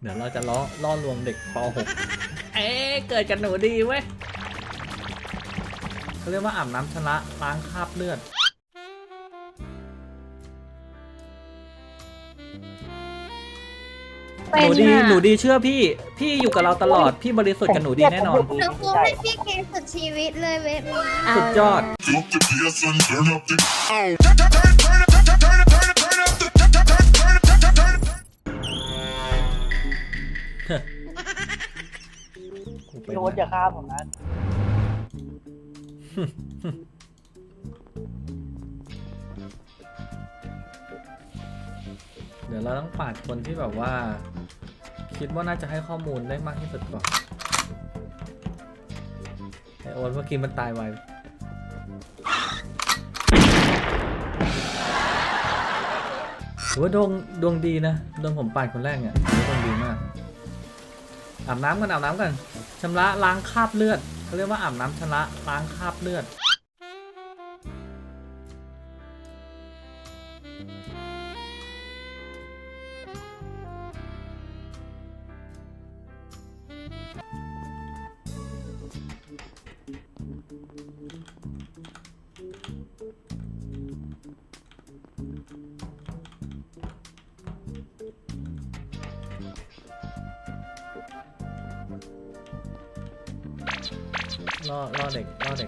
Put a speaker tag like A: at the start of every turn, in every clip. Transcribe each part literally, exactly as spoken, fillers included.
A: เดี๋ยวเราจะล้อล่อลวงเด็กป .หก เอ๊ะเกิดกันหนูดีเว้ยเขาเรียกว่าอาบน้ำชำระล้างคราบเลือดหนูดีหนูดีเชื่อพี่พี่อยู่กับเราตลอดพี่บริสุทธิ์กับหนูดีแน่นอน
B: หนูคงให้พี่เกสุดชีวิตเลยเว็บนี้
A: สุดยอด
C: พี่โอ๊ตจะฆ่าผมนะ
A: เดี๋ยวเราต้องปาดคนที่แบบว่า คิดว่าน่าจะให้ข้อมูลได้มากที่สุดก่อนไอโอ๊ตเมื่อกี้มันตายไวถือว่าดวงดวงดีนะโดนผมปาดคนแรกเนี่ยถือว่าดวงดีมากอาบน้ำกันอาบน้ำกันชำระล้างคราบเลือดเขาเรียกว่าอาบน้ำชำระล้างคราบเลือดล่อล่อเด็กล่อเด็ก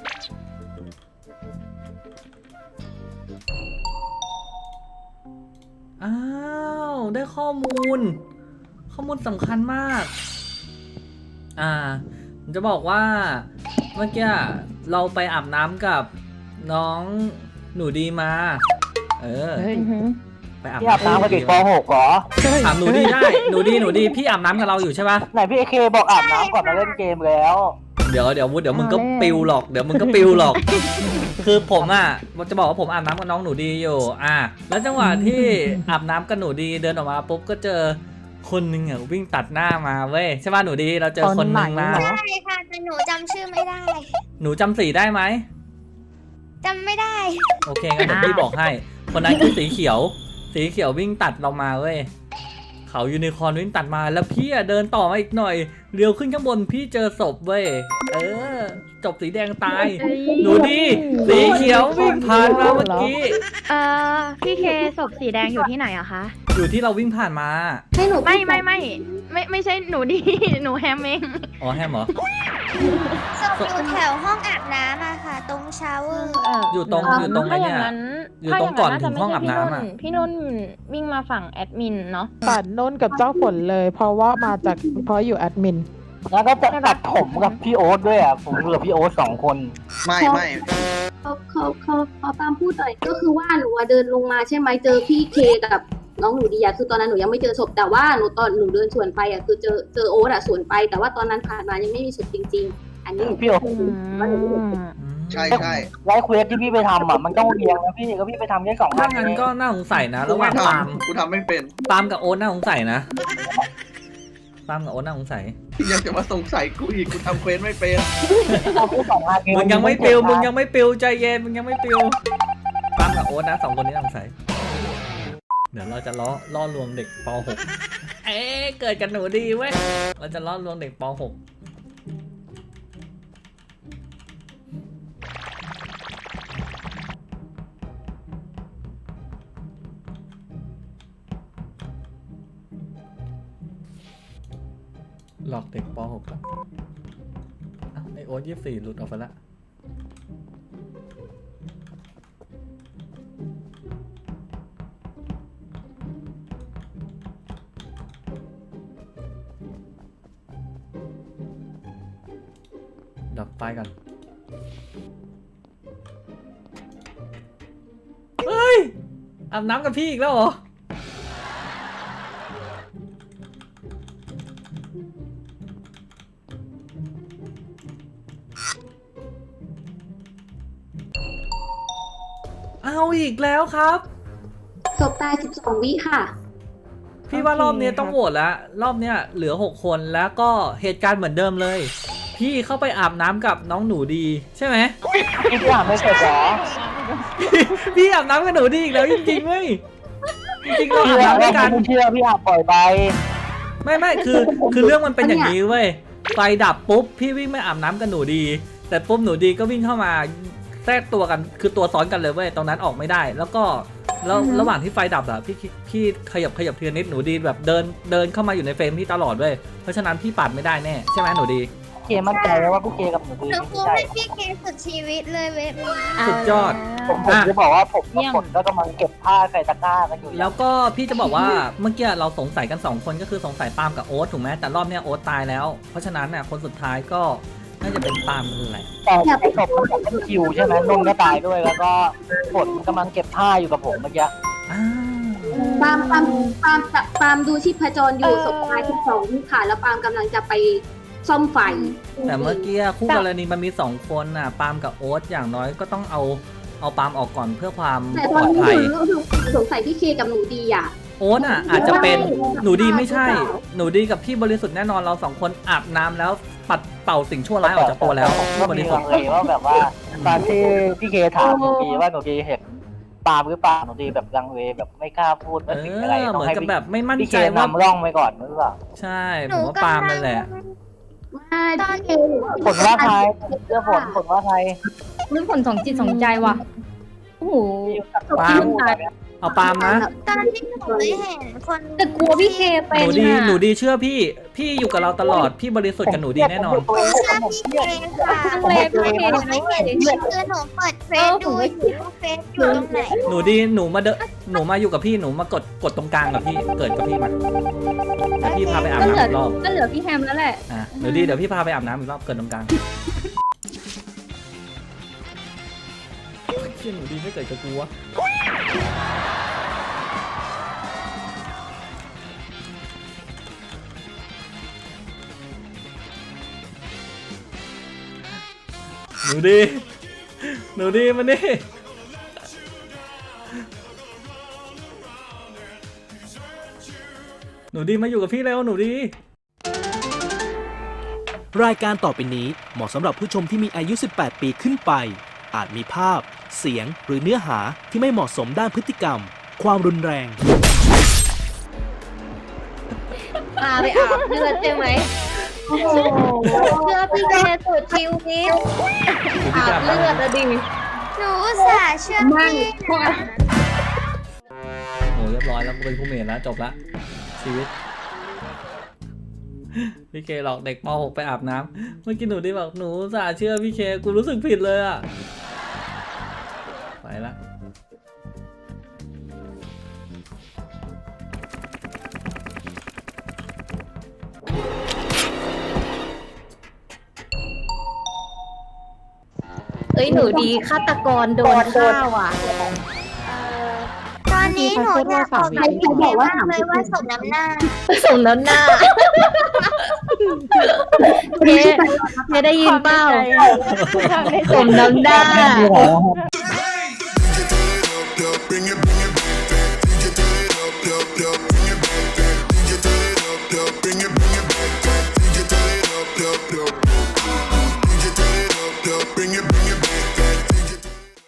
A: อ้าวได้ข้อมูลข้อมูลสำคัญมากอ่าจะบอกว่าเมื่อกี้เราไปอาบน้ำกับน้องหนูดีมาเออไปอาบ
C: พี่อาบน้ำกับเด็กป .หก เหรอ
A: ถามหนูดีได้หนูดีหนูดีพี่อาบน้ำกับเราอยู่ใช่ปะ
C: ไหนพี่เอเคบอกอาบน้ำก่อนมาเล่นเกมแล้ว
A: เดี๋ยวเดี๋ยวเดี๋ยวมึงก็ปิวหรอกเดี๋ยวมึงก็ปิวหรอก คือผมอ่ะจะบอกว่าผมอาบน้ำกับน้องหนูดีอยู่อ่ะแล้วจังหวะที่อาบน้ำกับหนูดีเดินออกมาปุ๊บก็เจอคนหนึ่งอ่ะวิ่งตัดหน้ามาเว้ยใช่ป่ะหนูดีเราเจอคนหนึ่งมา
B: ใช่ค่ะแต่หนูจำชื่อไม่ได้
A: หนูจำสีได้ไหม
B: จำไม่ได้
A: โอเคงั้นเดี๋ยวพี่บอกให้ คนนั้นคือสีเขียว สีเขียววิ่งตัดเรามาเว้ยเขายูนิคอร์นวิ่งตัดมาแล้วพี่อ่ะเดินต่อมาอีกหน่อยเลี้ยวขึ้นข้างบนพี่เจอศพเว้ยเออจบสีแดงตายหนูดีสีเขียววิ่งผ่านมาเมื่อกี้
D: เอ่อพี่เคศพสีแดงอยู่ที่ไหนอะคะ
A: อยู่ที่เราวิ่งผ่านมา
B: ให้หนู
D: ไม่ไม่ไม่ไม่ไม่ใช่หนูดี หนูแฮมเอง
A: อ๋อแฮมเหรอ
B: ศพอยู่แถวห้องอาบน้ำอะค่ะ ตรงชาวเวอร์
A: อยู่ตรงอยู่ตรงไอ้เนี่ยอยู่ตรงก่อนถึงห้องอาบน้ำอ่ะ
D: พี่นุ่นวิ่งมาฝั่งแอดมินเนาะ
E: ปัดนุ่นกับเจ้าฝนเลย เพราะว่ามาจากเพราะอยู่แอดมิน
C: แล้วก็จะตัดผมกับพี่โอ๊ตด้วยอ่ะผมอยู่กับพี่โอ๊ตสองคน
F: ไม่ไม่
G: เขาเขาเขาเขาตามพูดหน่อยก็คือว่าหนูอะเดินลงมาใช่ไหมเจอพี่เคกับน้องหนูดีอะคือตอนนั้นหนูยังไม่เจอศพแต่ว่าหนูตอนหนูเดินสวนไปอะคือเจอเจอโอ๊ตอะสวนไปแต่ว่าตอนนั้นผ่านมายังไม่มีศพจริง ๆ อันนี้หนู
C: พี่โอ๊ต
G: ว่าหนูไม่เห็น
F: ใช่ใช่
C: ไลฟ์เควสที่พี่ไปทำอ่ะมันต้องเรียงนะพี่ก็พี่ไปทำแค่สอง
A: ถ้า
C: อัน
A: งั้นก็น่าสงสัยนะ
F: กู
A: ระห
F: ไม่
A: ว่าง
F: ท
A: ปาล์ม
F: ำกูทำไม่เป็น
A: ปาล์มกับโอ๊ตน่าสงสัยนะปาล์มกับโอ๊ตน่าสงสัย
F: ยังจะมาสงสัยกูอีกกูทำเควสไม่เป็น
C: เอาแค่สองอัน
A: มึงยังไม่ปิวมึงยังไม่ปิวใจเย็นมึงยังไม่ปิวปาล์มกับโอ๊ตนะสองคนนี้น่าสงสัยเดี๋ยวเราจะล้อล่อลวงเด็กป .หก เอ๊ะเกิดกันหนูดีเว้ยเราจะล่อลวงเด็กป .หก หลอกเด็กป .หก แล้วอ้าวไอโอ๊ตยี่สิบสี่หลุดออกไปละดับไฟกันเฮ้ยอาบน้ำกับพี่อีกแล้วเหรอเอาอีกแล้วครับ
G: ศพตายสิบสองวิค่ะ
A: พี่ว่ารอบนี้ต้องโหวตแล้วรอบเนี้ยเหลือหกคนแล้วก็เหตุการณ์เหมือนเดิมเลย พี่เข้าไปอาบน้ำกับน้องหนูดีใช่ไหม
C: พี่พี่อาบไม่เสร็จเหรอ
A: พี่อาบน้ำกับหนูดีอีกแล้วจริงๆเว้ยจริงๆเราอาบน้ำด้วยกัน
C: ไม่เชื่อพี่อาบปล่อยไป
A: ไม่ไม่คือคือเรื่องมันเป็นอย่างนี้เว้ยไฟดับปุ๊บพี่วิ่งไม่อาบน้ำกับหนูดี แต่ปุ๊บหนูดีก็วิ่งเข้ามาแทรกตัวกันคือตัวซ้อนกันเลยเว้ยตรงนั้นออกไม่ได้ แล้วก็แล้วระหว่างที่ไฟดับอะพี่พี่ขยับขยับทีละนิดหนูดีแบบเดินเดินเข้ามาอยู่ในเฟรมพี่ตลอดเว้ยเพราะฉะนั้นพี่ปาดไม่ได้แน่ใช่ไหมหนูดี
C: เคมั่นใจแล้วว่าพี่เคกับหนูดี
B: หนู
C: ไม่
B: พูด
C: ใช่
B: ให้พี่เคสุดชีวิตเลยเว็บนี้
A: สุดยอด
C: ผมผมจะบอกว่าผมกับผมก็กำลังเก็บผ้าใส่ตะกร้ากันอยู่
A: แล้วก็พี่จะบอกว่าเมื่อกี้เราสงสัยกันสองคนก็คือสงสัยปาล์มกับโอ๊ตถูกไหมแต่รอบเนี้ยโอ๊ตตายแล้ว เพราะฉะนั้นเนี่ยคนสุดท้ายก็น่าจะเป็นปาล์มนั่นแหละ
C: แต่ไอ้ศพมันเป็นคิวใช่ไหมนุ่นก็ตายด้วย แล้วก็ฝนกำลังเก็บผ้าอยู่กับผมเมื่อกี้
A: อ้าว
G: ปาล์มปาล์มปาล์มปาล์มดูชีพจรอยู่ศพท้ายที่สองค่ะแล้วปาล์มกำลังจะไปซ่อมไฟ
A: แต่เมื่อกี้คู่กรณีมันมีสองคนน่ะปาล์มกับโอ๊ตอย่างน้อยก็ต้องเอาเอาปาล์มออกก่อนเพื่อความ
G: แต่
A: ป
G: ต
A: ล
G: อน
A: อด
G: นี้
A: ภัย
G: หนูสงสัยพี่เคกับหนูดีอ่ะ
A: โอ๊ตอ่ะอาจจะเป็นหนูดีไม่ใช่ หนูดีกับพี่บริสุทธิ์แน่นอนเราสองคนอาบน้ำแล้วปัดเป่าสิ่งชั่วร้ายออกจากตัวแล้ว
C: ผม
A: พี่
C: ก็
A: บ
C: มี
A: ริสุท
C: ลั
A: ธิ์
C: งเลว่าแบบว่าตอนที่พี่เคถามหนูดีว่าหนูดีเห็นปาล์มหรือเปล่าหนูดีแบบลังเลแบบไม่กล้าพูด
A: เอ
C: ว่าสิ่งอะไร
A: อ
C: ต้
A: เห
C: อง
A: มือน
C: ให้
A: กับแบบไม่มั่น
C: พี่เค
A: ใจว่า
C: นำร่องไปก่อนหรือเปล่า
A: ใช่ผมว่าปาล์มนั่นแหละ
G: ไม่พี่เค
C: ผลว่าใครเรื่องผลผลว่าใคร
H: นึกผลสองจิตสองใจว่ะ โอ้โห
A: ปาล์มเอาปาล์มนะ
B: ตอนที่หนูไม่เห็นคน
H: แต่กลัวพี่เคเป็
A: ห
H: น
A: นูดี
H: อะ
A: หนูดีเชื่อพี่ พี่อยู่กับเราตลอด พี่บริสุทธิ์กับหนูดีแน่นอน
B: หนูเชื่อพี่เคค่ะ
H: ทางเลพี่เค
B: หนู
H: นะ
B: ไม่
H: เว้
B: เห็
H: ย
B: นคือหนูเปิดเฟซดูอยู่ว่าเฟซอยู่ตรงไหน
A: หนูดีหนูมาเดนหนูมาอยู่กับพี่หนูมากดกดตรงกลางกับพี่เกิดกับพี่มาเดี๋ยวพี่พาไปอาบ
H: ก็เหลือ
A: น้ำอีกรอบ
H: ก็เหลือพี่แฮมแล้วแหละ
A: อ่ะหนูดีเดี๋ยวพี่พาไปอาบน้ำอีกรอบเกิดตรงกลางเชี่ยหนูดีไม่เกิดกับกูวะหนูดี หนูดีมานี่หนูดีมาอยู่กับพี่แล้วหนูดี
I: รายการต่อไปนี้เหมาะสำหรับผู้ชมที่มีอายุ สิบแปด ปีขึ้นไป อาจมีภาพ เสียง หรือเนื้อหาที่ไม่เหมาะสมด้านพฤติกรรม ความรุนแรง
H: พาไปอาบเลือดใช่ไหมโอ้โหเชื่อพี่เคสุดชีวิตอาบเลือดอะดิ
B: หนูอุตส่าห์เชื่อพี่นะ
A: โอ้เรียบร้อยแล้วกูเป็นผู้เมนแล้วจบละชีวิต พี่เคหลอกเด็กป .หก ไปอาบน้ำเมื่อกี้หนูได้บอกหนูสาเชื่อพี่เคกูรู้สึกผิดเลยอ่ะไปละ
H: เอ้ยหนูดีฆาตกรโดนฆ่าว่ะ
B: ตอนนี้หนูอยากบอกกับพี่เคมากเลยว่าสมน้ำหน้า
H: สมน้ำหน้าเคเคได้ยินเปล่าสมน้ำหน้า
B: เอ